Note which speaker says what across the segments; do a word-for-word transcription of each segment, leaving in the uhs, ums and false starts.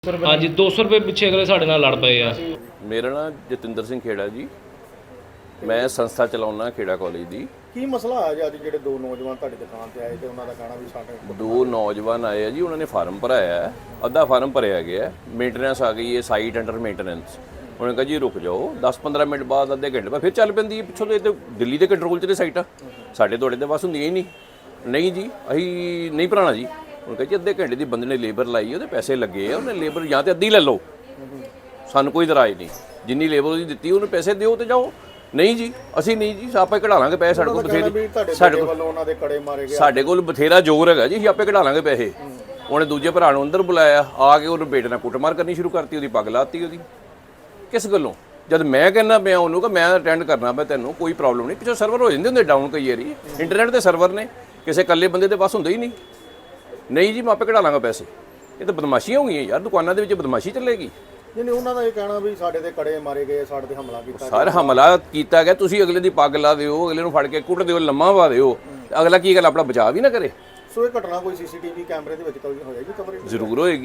Speaker 1: हाँ जी दो सौ रुपये पिछे अगले साढ़े नाल लड़ पे आ।
Speaker 2: मेरा नाम जतिंदर सिंह खेड़ा जी, मैं संस्था चलाउना खेड़ा कॉलेज ਦੀ।
Speaker 3: ਕੀ ਮਸਲਾ ਆ ਜੀ ਅੱਜ ਜਿਹੜੇ ਦੋ ਨੌਜਵਾਨ ਤੁਹਾਡੀ ਦੁਕਾਨ ਤੇ ਆਏ ਤੇ ਉਹਨਾਂ ਦਾ ਕਹਿਣਾ ਵੀ ਸਾਡੇ
Speaker 2: ਦੋ ਨੌਜਵਾਨ ਆਏ ਆ ਜੀ, ਉਹਨਾਂ ਨੇ ਫਾਰਮ ਭਰਾਇਆ ਹੈ, ਅੱਧਾ ਫਾਰਮ ਭਰਿਆ ਗਿਆ, ਮੇਨਟੇਨੈਂਸ ਆ ਗਈ ਹੈ, ਸਾਈਟ ਅੰਡਰ ਮੇਨਟੇਨੈਂਸ। ਉਹਨੇ ਕਿਹਾ ਜੀ ਰੁਕ ਜਾਓ, ਦਸ ਪੰਦਰਾਂ ਮਿੰਟ ਬਾਅਦ ਅੱਧੇ ਘੰਟੇ ਬਾਅਦ ਫਿਰ ਚੱਲ ਪੈਂਦੀ ਹੈ ਪਿੱਛੋਂ। ਤੇ ਦਿੱਲੀ ਦੇ ਕੰਟਰੋਲ 'ਚ ਨੇ ਸਾਈਟਾਂ, ਸਾਡੇ ਤੁਹਾਡੇ ਦੇ ਬਸ ਹੁੰਦੀਆਂ ਹੀ ਨਹੀਂ। ਨਹੀਂ ਜੀ ਅਸੀਂ ਨਹੀਂ ਭਰਾਣਾ ਜੀ। ਉਹਨੇ ਕਿਹਾ ਜੀ ਅੱਧੇ ਘੰਟੇ ਦੀ ਬੰਦੇ ਨੇ ਲੇਬਰ ਲਾਈ, ਉਹਦੇ ਪੈਸੇ ਲੱਗੇ ਆ, ਉਹਨੇ ਲੇਬਰ ਜਾਂ ਤੇ ਅੱਧੀ ਲੈ ਲਓ, ਸਾਨੂੰ ਕੋਈ ਇਤਰਾਜ਼ ਨਹੀਂ, ਜਿੰਨੀ ਲੇਬਰ ਉਹਦੀ ਦਿੱਤੀ ਉਹਨੂੰ ਪੈਸੇ ਦਿਓ ਤੇ ਜਾਓ। ਨਹੀਂ ਜੀ ਅਸੀਂ ਨਹੀਂ ਜੀ, ਆਪੇ ਕਢਾ ਲਾਂਗੇ ਪੈਸੇ, ਸਾਡੇ ਕੋਲ ਬਥੇਰੇ, ਸਾਡੇ ਕੋਲ
Speaker 3: ਉਹਨਾਂ ਦੇ ਕੜੇ ਮਾਰੇ ਗਏ,
Speaker 2: ਸਾਡੇ ਕੋਲ ਬਥੇਰਾ ਜ਼ੋਰ ਹੈਗਾ ਜੀ, ਅਸੀਂ ਆਪੇ ਕਢਾ ਲਾਂਗੇ ਪੈਸੇ। ਉਹਨੇ ਦੂਜੇ ਭਰਾ ਨੂੰ ਅੰਦਰ ਬੁਲਾਇਆ, ਆ ਕੇ ਉਹਨੂੰ ਬੇਟੇ ਨਾਲ ਕੁੱਟਮਾਰ ਕਰਨੀ ਸ਼ੁਰੂ ਕਰਤੀ, ਉਹਦੀ ਪੱਗ ਲਾਤੀ ਉਹਦੀ। ਕਿਸ ਗੱਲੋਂ? ਜਦ ਮੈਂ ਕਹਿੰਦਾ ਪਿਆ ਉਹਨੂੰ ਕਿ ਮੈਂ ਅਟੈਂਡ ਕਰਨਾ ਪਿਆ, ਤੈਨੂੰ ਕੋਈ ਪ੍ਰੋਬਲਮ ਨਹੀਂ। ਪਿੱਛੋਂ ਸਰਵਰ ਹੋ ਜਾਂਦੇ ਹੁੰਦੇ ਡਾਊਨ ਕਈ ਵਾਰੀ, ਇੰਟਰਨੈਟ ਦੇ ਸਰਵਰ ਨੇ, ਕਿਸੇ ਇਕੱਲੇ ਬੰਦੇ ਦੇ ਬਸ ਹੁੰਦੇ ਹੀ ਨਹੀਂ। ਨਹੀਂ ਜੀ ਮੈਂ ਆਪੇ ਕਢਾ ਲਾਂਗਾ ਪੈਸੇ। ਇਹ ਤਾਂ ਬਦਮਾਸ਼ੀਆਂ ਹੋ ਗਈਆਂ ਯਾਰ, ਦੁਕਾਨਾਂ ਦੇ ਵਿੱਚ ਬਦਮਾਸ਼ੀ ਚੱਲੇਗੀ।
Speaker 3: ਨਹੀਂ ਨਹੀਂ ਉਹਨਾਂ ਦਾ ਇਹ ਕਹਿਣਾ ਵੀ ਸਾਡੇ ਤੇ ਕੜੇ ਮਾਰੇ ਗਏ, ਸਾਡੇ ਤੇ ਹਮਲਾ ਕੀਤਾ।
Speaker 2: ਸਰ ਹਮਲਾ ਕੀਤਾ ਗਿਆ, ਤੁਸੀਂ ਅਗਲੇ ਦੀ ਪੱਗ ਲਾ ਦਿਓ, ਅਗਲੇ ਨੂੰ ਫੜ ਕੇ ਕੁੱਟ ਦਿਓ, ਲੰਮਾ ਪਾ ਦਿਓ, ਅਗਲਾ ਕੀ ਗੱਲ ਆਪਣਾ ਬਚਾਅ ਵੀ ਨਾ ਕਰੇ।
Speaker 3: ਸੋ ਇਹ ਘਟਨਾ ਕੋਈ ਸੀਸੀਟੀਵੀ ਕੈਮਰੇ ਦੇ ਵਿੱਚ ਹੋਇਆ ਜੀ ਕਵਰੇਜ?
Speaker 2: ਜ਼ਰੂਰ ਹੋਏਗੀ।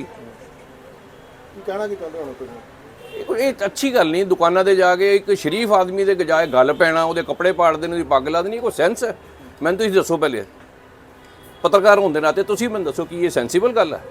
Speaker 3: ਕੀ ਕਹਿਣਾ ਕੀ ਚਾਹੁੰਦੇ ਹੋ ਤੁਸੀਂ?
Speaker 2: ਇਹ ਕੋਈ ਇਹ ਅੱਛੀ ਗੱਲ ਨਹੀਂ, ਦੁਕਾਨਾਂ ਤੇ ਜਾ ਕੇ ਇੱਕ ਸ਼ਰੀਫ ਆਦਮੀ ਦੇ ਗਜਾਏ ਗੱਲ ਪੈਣਾ, ਉਹਦੇ ਕੱਪੜੇ ਪਾੜ ਦੇਣ, ਉਹਦੀ ਪੱਗ ਲਾ ਦੇਣੀ, ਕੋਈ ਸੈਂਸ ਹੈ? ਮੈਨੂੰ ਤੁਸੀਂ ਦੱਸੋ ਪਹਿਲੇ, ਪੱਤਰਕਾਰ ਹੋਣ ਦੇ ਨਾਤੇ ਤੁਸੀਂ ਮੈਨੂੰ ਦੱਸੋ ਕੀ ਇਹ ਸੈਂਸੀਬਲ ਗੱਲ ਹੈ?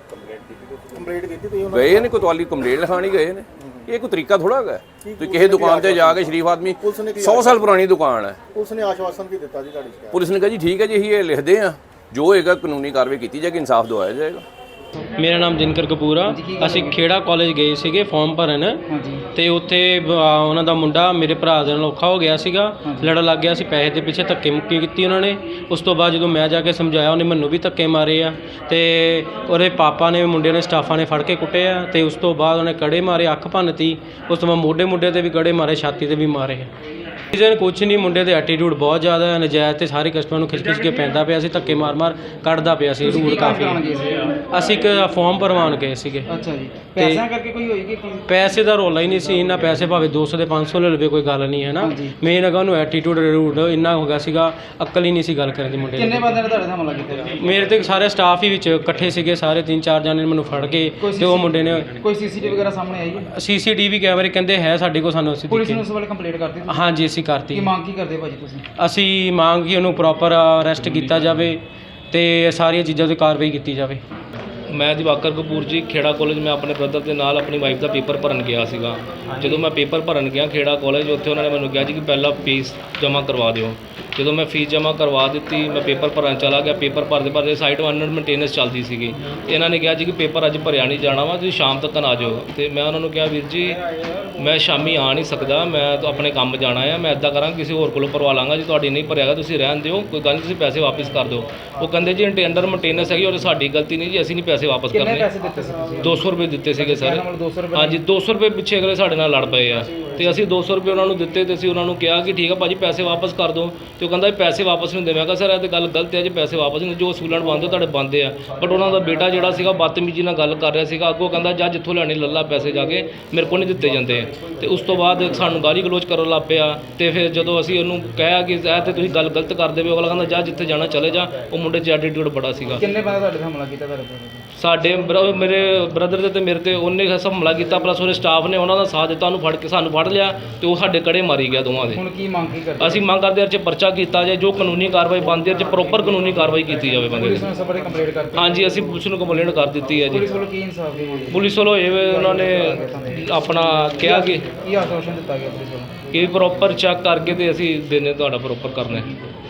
Speaker 3: ਕੰਪਲੇਂਟ ਕੀਤੀ ਤੁਸੀਂ?
Speaker 2: ਗਏ ਨੇ ਕੋਤਵਾਲੀ ਕੰਪਲੇਂਟ ਲਿਖਾਣੀ ਗਏ ਨੇ, ਇਹ ਕੋਈ ਤਰੀਕਾ ਥੋੜਾ ਹੈਗਾ? ਤੁਸੀਂ ਕਿਸੇ ਦੁਕਾਨ ਤੇ ਜਾ ਕੇ ਸ਼ਰੀਫ ਆਦਮੀ, ਸੌ ਸਾਲ ਪੁਰਾਣੀ ਦੁਕਾਨ ਹੈ,
Speaker 3: ਪੁਲਿਸ ਨੇ ਆਸ਼ਵਾਸਨ ਕੀ ਦਿੱਤਾ ਜੀ ਤੁਹਾਡੀ ਸ਼ਿਕਾਇਤ?
Speaker 2: ਪੁਲਿਸ ਨੇ ਕਿਹਾ ਜੀ ਠੀਕ ਹੈ ਜੀ ਅਸੀਂ ਇਹ ਲਿਖਦੇ ਹਾਂ, ਜੋ ਹੋਏਗਾ ਕਾਨੂੰਨੀ ਕਾਰਵਾਈ ਕੀਤੀ ਜਾਏਗੀ, ਇਨਸਾਫ ਦਵਾਇਆ ਜਾਏਗਾ।
Speaker 1: ਮੇਰਾ ਨਾਮ ਦਿਨਕਰ ਕਪੂਰ ਆ। ਅਸੀਂ ਖੇੜਾ ਕਾਲਜ ਗਏ ਸੀਗੇ ਫਾਰਮ ਭਰਨ, ਤੇ ਉੱਥੇ ਉਹਨਾਂ ਦਾ ਮੁੰਡਾ ਮੇਰੇ ਭਰਾ ਦੇ ਨਾਲ ਔਖਾ ਹੋ ਗਿਆ ਸੀਗਾ, ਲੜਨ ਲੱਗ ਗਿਆ ਸੀ, ਪੈਸੇ ਦੇ ਪਿੱਛੇ ਧੱਕੇ ਮੁੱਕੀ ਕੀਤੀ ਉਹਨਾਂ ਨੇ। ਉਸ ਤੋਂ ਬਾਅਦ ਜਦੋਂ ਮੈਂ ਜਾ ਕੇ ਸਮਝਾਇਆ, ਉਹਨੇ ਮੈਨੂੰ ਵੀ ਧੱਕੇ ਮਾਰੇ ਆ, ਤੇ ਉਹਦੇ ਪਾਪਾ ਨੇ, ਮੁੰਡੇ ਨੇ, ਸਟਾਫਾਂ ਨੇ ਫੜ ਕੇ ਕੁੱਟੇ ਆ, ਤੇ ਉਸ ਤੋਂ ਬਾਅਦ ਉਹਨੇ ਕੜੇ ਮਾਰੇ, ਅੱਖ ਭੰਨਤੀ, ਉਸ ਤੋਂ ਬਾਅਦ ਮੋਢੇ ਮੁੰਡੇ ਤੇ ਵੀ ਕੜੇ ਮਾਰੇ, ਛਾਤੀ ਤੇ ਵੀ ਮਾਰੇ। ਰੀਜ਼ਨ ਕੁਛ ਨਹੀਂ, ਮੁੰਡੇ ਦੇ ਐਟੀਟਿਊਡ ਬਹੁਤ ਜ਼ਿਆਦਾ ਹੈ, ਨਜਾਇਜ਼, ਤੇ ਸਾਰੇ ਕਸਟਮਰ ਨੂੰ ਖਿੱਚ ਖਿੱਚ ਕੇ ਪੈਂਦਾ ਪਿਆ ਸੀ, ਧੱਕੇ ਮਾਰ ਮਾਰ ਕੱਢਦਾ ਪਿਆ ਸੀ, ਰੂਡ ਕਾਫੀ। ਅਸੀਂ ਇੱਕ ਫਾਰਮ ਭਰਵਾਉਣ ਗਏ ਸੀਗੇ।
Speaker 4: ਅੱਛਾ ਜੀ, ਪੈਸਿਆਂ ਕਰਕੇ ਕੋਈ ਹੋਈ ਕਿ
Speaker 1: ਪੈਸੇ ਦਾ ਰੌਲਾ ਹੀ ਨਹੀਂ ਸੀ ਇੰਨਾ, ਪੈਸੇ ਭਾਵੇਂ ਦੋ ਸੌ ਦੇ ਪੰਜ ਸੌ ਲੈ ਲਵੇ, ਕੋਈ ਗੱਲ ਨਹੀਂ ਹੈ ਨਾ। ਮੇਨ ਹੈਗਾ ਉਹਨੂੰ ਐਟੀਟਿਊਡ ਰੂਡ ਇੰਨਾ ਹੋ ਗਿਆ ਸੀਗਾ, ਅਕਲ ਹੀ ਨਹੀਂ ਸੀ ਗੱਲ ਕਰਨ ਦੀ ਮੁੰਡੇ।
Speaker 4: ਕਿੰਨੇ ਬੰਦੇ ਨੇ ਤੁਹਾਡੇ ਨਾਲ ਹਮਲਾ ਕੀਤਾ?
Speaker 1: ਮੇਰੇ ਤੇ ਸਾਰੇ ਸਟਾਫ ਹੀ ਵਿੱਚ ਇਕੱਠੇ ਸੀਗੇ, ਸਾਰੇ ਤਿੰਨ ਚਾਰ ਜਣੇ ਮੈਨੂੰ ਫੜ ਕੇ, ਤੇ ਉਹ ਮੁੰਡੇ ਨੇ।
Speaker 4: ਕੋਈ ਸੀਸੀਟੀਵੀ ਵਗੈਰਾ ਸਾਹਮਣੇ ਆਈ ਹੈ?
Speaker 1: ਸੀਸੀਟੀਵੀ ਕੈਮਰੇ ਕਹਿੰਦੇ ਹੈ ਸਾਡੇ ਕੋਲ, ਸਾਨੂੰ ਅਸੀਂ
Speaker 4: ਪੁਲਿਸ ਨੂੰ ਉਸ ਵੇਲੇ ਕੰਪਲੇਂਟ ਕਰਤੀ?
Speaker 1: ਹਾਂਜੀ ਅਸੀਂ ਕਰਤੀ।
Speaker 4: ਕੀ ਮੰਗ ਕੀ ਕਰਦੇ ਭਾਜੀ ਤੁਸੀਂ?
Speaker 1: ਅਸੀਂ ਮੰਗ ਕਿ ਉਹਨੂੰ ਪ੍ਰੋਪਰ ਅਰੈਸਟ ਕੀਤਾ ਜਾਵੇ ਤੇ ਸਾਰੀਆਂ ਚੀਜ਼ਾਂ 'ਤੇ ਕਾਰਵਾਈ ਕੀਤੀ ਜਾਵੇ। ਮੈਂ ਦਿਵਾਕਰ ਕਪੂਰ ਜੀ, ਖੇੜਾ ਕਾਲਜ। ਮੈਂ ਆਪਣੇ ਬ੍ਰਦਰ ਦੇ ਨਾਲ ਆਪਣੀ ਵਾਈਫ ਦਾ ਪੇਪਰ ਭਰਨ ਗਿਆ ਸੀਗਾ। ਜਦੋਂ ਮੈਂ ਪੇਪਰ ਭਰਨ ਗਿਆ ਖੇੜਾ ਕਾਲਜ, ਉੱਥੇ ਉਹਨਾਂ ਨੇ ਮੈਨੂੰ ਕਿਹਾ ਜੀ ਕਿ ਪਹਿਲਾਂ ਫੀਸ ਜਮ੍ਹਾਂ ਕਰਵਾ ਦਿਓ। ਜਦੋਂ ਮੈਂ ਫੀਸ ਜਮ੍ਹਾਂ ਕਰਵਾ ਦਿੱਤੀ, ਮੈਂ ਪੇਪਰ ਭਰਨ ਚਲਾ ਗਿਆ। ਪੇਪਰ ਭਰਦੇ ਭਰਦੇ ਸਾਈਟ ਅੰਡਰ ਮੇਨਟੇਨੈਂਸ ਚੱਲਦੀ ਸੀਗੀ। ਇਹਨਾਂ ਨੇ ਕਿਹਾ ਜੀ ਕਿ ਪੇਪਰ ਅੱਜ ਭਰਿਆ ਨਹੀਂ ਜਾਣਾ ਵਾ, ਤੁਸੀਂ ਸ਼ਾਮ ਤੱਕ ਆ ਜਾਓ। ਅਤੇ ਮੈਂ ਉਹਨਾਂ ਨੂੰ ਕਿਹਾ ਵੀਰ ਜੀ ਮੈਂ ਸ਼ਾਮੀ ਆ ਨਹੀਂ ਸਕਦਾ, ਮੈਂ ਤਾਂ ਆਪਣੇ ਕੰਮ ਜਾਣਾ ਆ, ਮੈਂ ਇੱਦਾਂ ਕਰਾਂਗਾ ਕਿਸੇ ਹੋਰ ਕੋਲੋਂ ਭਰਵਾ ਲਾਂਗਾ, ਜੀ ਤੁਹਾਡੀ ਨਹੀਂ ਭਰਿਆਗਾ ਤੁਸੀਂ ਰਹਿਣ ਦਿਓ, ਕੋਈ ਗੱਲ ਨਹੀਂ, ਤੁਸੀਂ ਪੈਸੇ ਵਾਪਸ ਕਰ ਦਿਓ। ਉਹ ਕਹਿੰਦੇ ਜੀ ਅੰਡਰ ਮੇਨਟੇਨੈਂਸ ਹੈਗੀ, ਉਹ ਸਾਡੀ ਗਲਤੀ ਨਹੀਂ ਜੀ, ਅਸੀਂ ਨਹੀਂ ਪੈਸੇ ਵਾਪਸ ਕਰਨੇ।
Speaker 4: ਪੈਸੇ ਦਿੱਤੇ ਸੀ ਤੁਸੀਂ?
Speaker 1: ਦੋ ਸੌ ਰੁਪਏ ਦਿੱਤੇ ਸੀਗੇ ਸਰ। ਹਾਂਜੀ ਦੋ ਸੌ ਰੁਪਏ ਪਿੱਛੇ ਅਗਲੇ ਸਾਡੇ ਨਾਲ ਲੜ ਪਏ ਆ, ਤੇ ਅਸੀਂ ਦੋ ਸੌ ਰੁਪਏ ਉਹਨਾਂ ਨੂੰ ਦਿੱਤੇ, ਤੇ ਅਸੀਂ ਉਹਨਾਂ ਨੂੰ ਕਿਹਾ ਕਿ ਠੀਕ ਆ ਭਾਜੀ ਪੈਸੇ ਵਾਪਸ ਕਰ ਦਿਓ। ਤੇ ਉਹ ਕਹਿੰਦਾ ਪੈਸੇ ਵਾਪਸ ਨਹੀਂ ਹੁੰਦੇ। ਮੈਂ ਕਿਹਾ ਸਰ ਇਹ ਤਾਂ ਗੱਲ ਗਲਤ ਹੈ ਜੀ, ਪੈਸੇ ਵਾਪਸ ਨਹੀਂ, ਜੋ ਅਸੂਲਣ ਬਣਦੇ ਤੁਹਾਡੇ ਬਣਦੇ ਆ। ਬਟ ਉਹਨਾਂ ਦਾ ਬੇਟਾ ਜਿਹੜਾ ਸੀਗਾ ਬਦਤਮੀਜ਼ੀ ਨਾਲ ਗੱਲ ਕਰ ਰਿਹਾ ਸੀਗਾ, ਅੱਗੋਂ ਕਹਿੰਦਾ ਜਾ ਜਿੱਥੋਂ ਲੈਣੇ ਲੱਲਾ ਪੈਸੇ ਜਾ ਕੇ, ਮੇਰੇ ਕੋਲ ਨਹੀਂ ਦਿੱਤੇ ਜਾਂਦੇ। ਤੇ ਉਸ ਤੋਂ ਬਾਅਦ ਸਾਨੂੰ ਗਾਲੀ ਗਲੋਚ ਕਰਨ ਲੱਗ ਪਿਆ। ਤੇ ਫਿਰ ਜਦੋਂ ਅਸੀਂ ਉਹਨੂੰ ਕਿਹਾ ਕਿ ਇਹ ਤੇ ਤੁਸੀਂ ਗੱਲ ਗਲਤ ਕਰਦੇ ਪਏ, ਅਗਲਾ ਕਹਿੰਦਾ ਜਾ ਜਿੱਥੇ ਜਾਣਾ ਚਲੇ ਜਾ। ਉਹ ਮੁੰਡੇ 'ਚ ਐਟੀਟਿਊਡ ਬੜਾ ਸੀਗਾ।
Speaker 4: ਕਿੰਨੇ ਬੰਦੇ ਤੁਹਾਡੇ ਹਮਲਾ ਕੀਤਾ ਤੁਹਾਡੇ ਤੇ?
Speaker 1: ਸਾਡੇ ਮੇਰੇ ਬ੍ਰਦਰ ਦੇ ਤੇ ਮੇਰੇ ਤੇ ਉਹਨੇ ਹਮਲਾ ਕੀਤਾ, ਪਲੱਸ ਉਹਦੇ ਸਟਾਫ ਨੇ ਉਹਨਾਂ ਦਾ ਸਾਥ ਦਿੱਤਾ, ਉਹਨੂੰ ਫੜ ਕੇ ਸਾਨੂੰ ਫੜ ਲਿਆ, ਤੇ ਉਹ ਸਾਡੇ ਕੜੇ ਮਾਰੀ ਗਿਆ ਦੋਵਾਂ ਦੇ।
Speaker 4: ਹੁਣ ਕੀ ਮੰਗ ਕੀ ਕਰਦੇ?
Speaker 1: ਅਸੀਂ ਮੰਗ ਕਰਦੇ ਹਾਂ ਚ ਪਰਚਾ ਕੀਤਾ ਜਾਏ, ਜੋ ਕਾਨੂੰਨੀ ਕਾਰਵਾਈ ਬਣਦੀ ਹੈ ਚ ਪ੍ਰੋਪਰ ਕਾਨੂੰਨੀ ਕਾਰਵਾਈ ਕੀਤੀ ਜਾਵੇ ਬੰਦੇ
Speaker 4: ਪੁਲਿਸ ਨੂੰ ਸਬਰੇ ਕੰਪਲੇਂਟ ਕਰਤੀ?
Speaker 1: ਹਾਂਜੀ ਅਸੀਂ ਪੁਲਿਸ ਨੂੰ ਕੰਪਲੇਂਟ ਕਰ ਦਿੱਤੀ ਹੈ ਜੀ।
Speaker 4: ਪੁਲਿਸ ਵੱਲੋਂ ਕੀ ਇਨਸਾਫ ਦੀ ਹੋਈ?
Speaker 1: ਪੁਲਿਸ ਵੱਲੋਂ ਇਹ ਉਹਨਾਂ ਨੇ ਆਪਣਾ ਕਿਹਾ ਕਿ
Speaker 4: ਕੀ ਆਸ਼ਵਾਸਨ ਦਿੱਤਾ ਗਿਆ ਪੁਲਿਸ ਵੱਲੋਂ
Speaker 1: ਕਿ ਪ੍ਰੋਪਰ ਚੈੱਕ ਕਰਕੇ ਤੇ ਅਸੀਂ ਦਿਨੇ ਤੁਹਾਡਾ ਪ੍ਰੋਪਰ ਕਰਨਾ।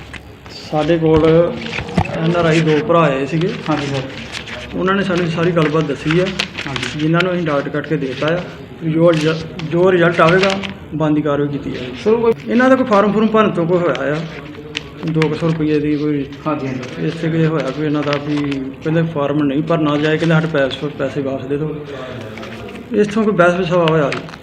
Speaker 5: ਸਾਡੇ ਕੋਲ ਐਨ ਆਰ ਆਈ ਦੋ ਭਰਾ ਆਏ ਸੀਗੇ।
Speaker 4: ਹਾਂਜੀ ਸਰ।
Speaker 5: ਉਹਨਾਂ ਨੇ ਸਾਨੂੰ ਸਾਰੀ ਗੱਲਬਾਤ ਦੱਸੀ ਆ, ਜਿਨ੍ਹਾਂ ਨੂੰ ਅਸੀਂ ਡਾਕਟਰ ਕੱਟ ਕੇ ਦੇ ਦਿੱਤਾ ਆ। ਜੋ ਜੋ ਰਿਜ਼ਲਟ ਆਵੇਗਾ ਬਣਦੀ ਕਾਰਵਾਈ ਕੀਤੀ ਜਾਵੇਗੀ।
Speaker 4: ਸਰ ਕੋਈ
Speaker 5: ਇਹਨਾਂ ਦਾ ਕੋਈ ਫਾਰਮ ਫੁਰਮ ਭਰਨ ਤੋਂ ਕੋਈ ਹੋਇਆ ਆ ਦੋ ਕੁ ਸੌ ਰੁਪਈਏ ਦੀ ਕੋਈ।
Speaker 4: ਹਾਂਜੀ ਹਾਂਜੀ।
Speaker 5: ਇਸੇ ਕਿ ਹੋਇਆ ਕੋਈ ਇਹਨਾਂ ਦਾ ਵੀ ਕਹਿੰਦੇ ਫਾਰਮ ਨਹੀਂ ਭਰਨਾ ਜਾਏ, ਕਹਿੰਦੇ ਸਾਡੇ ਪੈਸੇ ਪੈਸੇ ਵਾਪਸ ਦੇ ਦਿਓ। ਇਸ ਤੋਂ ਕੋਈ ਬਹਿਸ ਵਿਸਾਵਾ ਹੋਇਆ ਜੀ।